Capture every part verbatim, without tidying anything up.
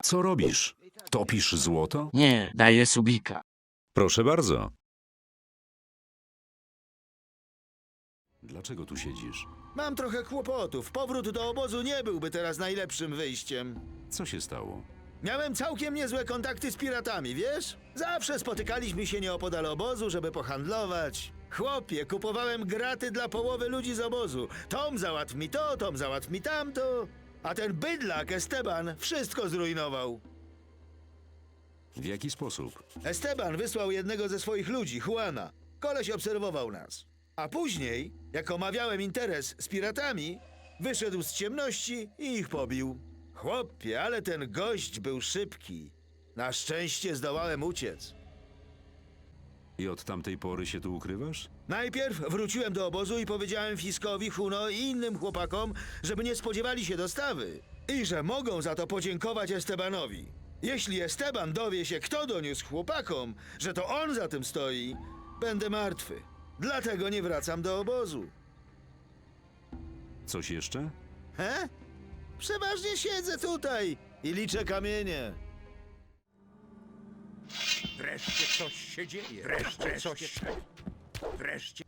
Co robisz? Topisz złoto? Nie, daję subika. Proszę bardzo. Dlaczego tu siedzisz? Mam trochę kłopotów. Powrót do obozu nie byłby teraz najlepszym wyjściem. Co się stało? Miałem całkiem niezłe kontakty z piratami, wiesz? Zawsze spotykaliśmy się nieopodal obozu, żeby pohandlować. Chłopie, kupowałem graty dla połowy ludzi z obozu. Tom załatw mi to, Tom załatw mi tamto. A ten bydlak Esteban wszystko zrujnował. W jaki sposób? Esteban wysłał jednego ze swoich ludzi, Juana. Koleś obserwował nas. A później, jak omawiałem interes z piratami, wyszedł z ciemności i ich pobił. Chłopie, ale ten gość był szybki. Na szczęście zdołałem uciec. I od tamtej pory się tu ukrywasz? Najpierw wróciłem do obozu i powiedziałem Fiskowi, Huno i innym chłopakom, żeby nie spodziewali się dostawy. I że mogą za to podziękować Estebanowi. Jeśli Esteban dowie się, kto doniósł chłopakom, że to on za tym stoi, będę martwy. Dlatego nie wracam do obozu. Coś jeszcze? He? Przeważnie siedzę tutaj i liczę kamienie. Wreszcie coś się dzieje. Wreszcie coś się... Wreszcie...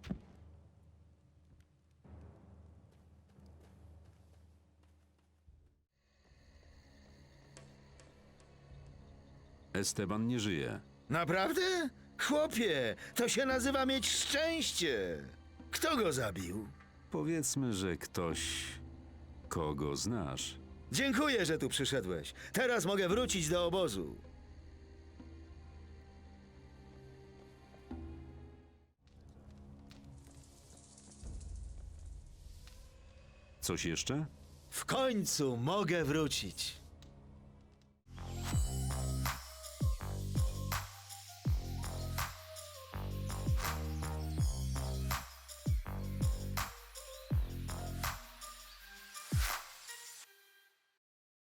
Esteban nie żyje. Naprawdę? Chłopie, to się nazywa mieć szczęście. Kto go zabił? Powiedzmy, że ktoś, kogo znasz. Dziękuję, że tu przyszedłeś. Teraz mogę wrócić do obozu. Coś jeszcze? W końcu mogę wrócić.